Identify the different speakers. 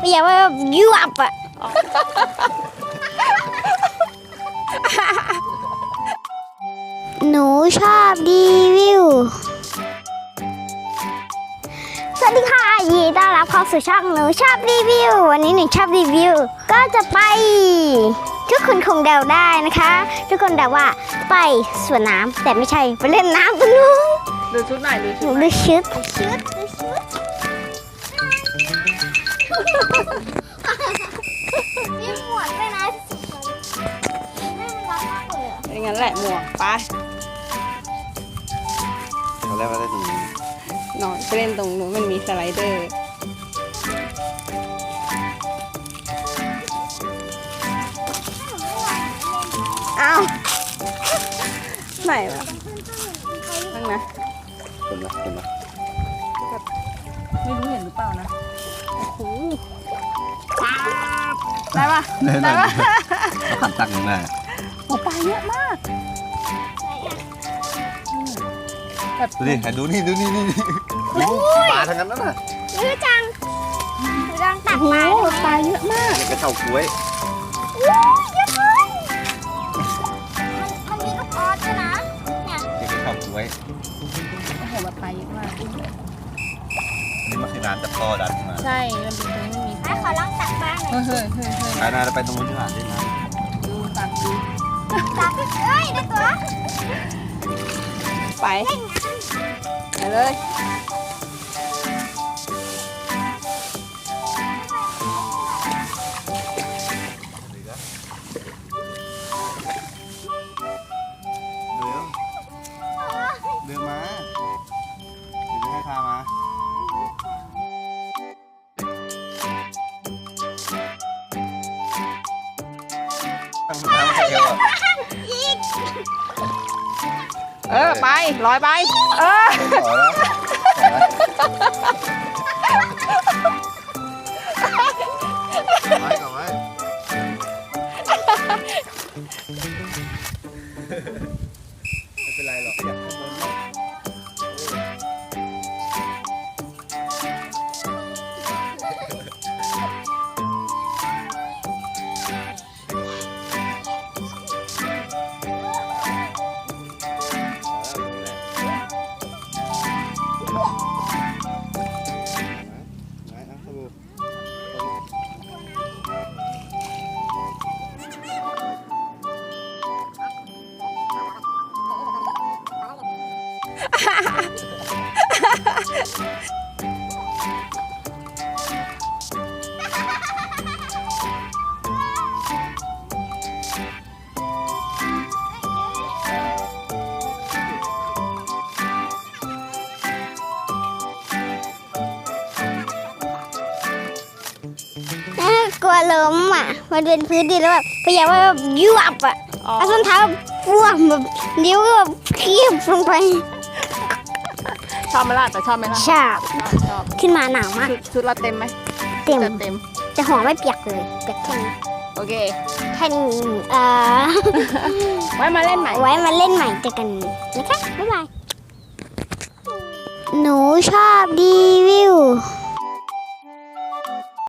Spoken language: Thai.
Speaker 1: อย่าว่ายวบอ่ะหนูชอบรีวิวสวัสดีค่ะยินดีต้อนรับเข้าสู่ช่องหนูชอบรีวิววันนี้หนูชอบรีวิวก็จะไปทุกคนคงเดาได้นะคะทุกคนเดาว่าไปสวนน้ำแต่ไม่ใช่ไปเล่นน้ำตรงนู้น
Speaker 2: ดูชุดหน่อยดูชุด
Speaker 1: ดูชุดมีหมวกด้วยนะ
Speaker 2: อย่างนั้นแหละหมวกไป
Speaker 3: ตอนแรกว่าได้ตรงนี้
Speaker 2: นอนไปเล่นตรงนู้นมันมีสไลเดอร์อ้าวไหนวะนั่งนะ
Speaker 3: เป็นไหมเป็นไหม
Speaker 2: ไม่รู้เห็นหรือเปล่านะโอ้โหได้ปะ
Speaker 3: ได้ปะขันตักยังไง
Speaker 2: โอ้ปลาเยอะมาก
Speaker 3: ดูดิดูนี่ดูนี่นี่ปลาทั้งนั้นน่ะ
Speaker 1: ยืดจังตัก
Speaker 2: โอ้
Speaker 1: มา
Speaker 2: โหปลาเยอะมาก
Speaker 3: กระเฉากล้วย
Speaker 1: เยอะเลยมันมีลูกออสด้วยนะเนี่ย
Speaker 3: กระเฉากล้วย
Speaker 2: โอ้โหแบบปลาเยอะมาก
Speaker 3: นี่มันคือน้ำจากท่อดันมา
Speaker 2: ใช่มันเป็นตรงนี้มี
Speaker 1: ให้ขอลองตักบ้างหน่อย
Speaker 2: เฮ้ยเฮ้ยเฮ้ย
Speaker 3: ไปนะเราไปตรงนู้นที่หาได้ไหม
Speaker 2: ดูตักดู
Speaker 1: ตักเอ้ยได้ตัว
Speaker 2: ไปไปเลย
Speaker 3: เดินมาเดี๋ยวให้พามาตั้งน้ำเขียวอ่ะ
Speaker 2: ไปลอยไป
Speaker 3: ขอแล้วไว้ก่อนไว้ไม่เป็นไรหรอกอยากข้างบนหรอก
Speaker 1: กลัวล้มอ่ะมันเป็นพื้นดินแล้วแบบพยายามว่ายวบอ่ะเอาส้นเท้าพ่วงแบบนิ้วก็แบบเคียบลงไป
Speaker 2: ชอบไหมล่ะแต่ชอบไหมล่ะ
Speaker 1: ชาบ
Speaker 2: ชอบ
Speaker 1: ขึ้นมาหนาวมาก
Speaker 2: ชุดเราเต็มไหม
Speaker 1: เต็ม
Speaker 2: เต็ม
Speaker 1: จะหัวไม่เปียกเลยเปียกแค่นี้
Speaker 2: โอเค
Speaker 1: แค่นี้
Speaker 2: ไว้มาเล่นใหม่
Speaker 1: ไว้มาเล่นใหม่เจอกันนะคะบ๊ายบายหนูชอบรีวิว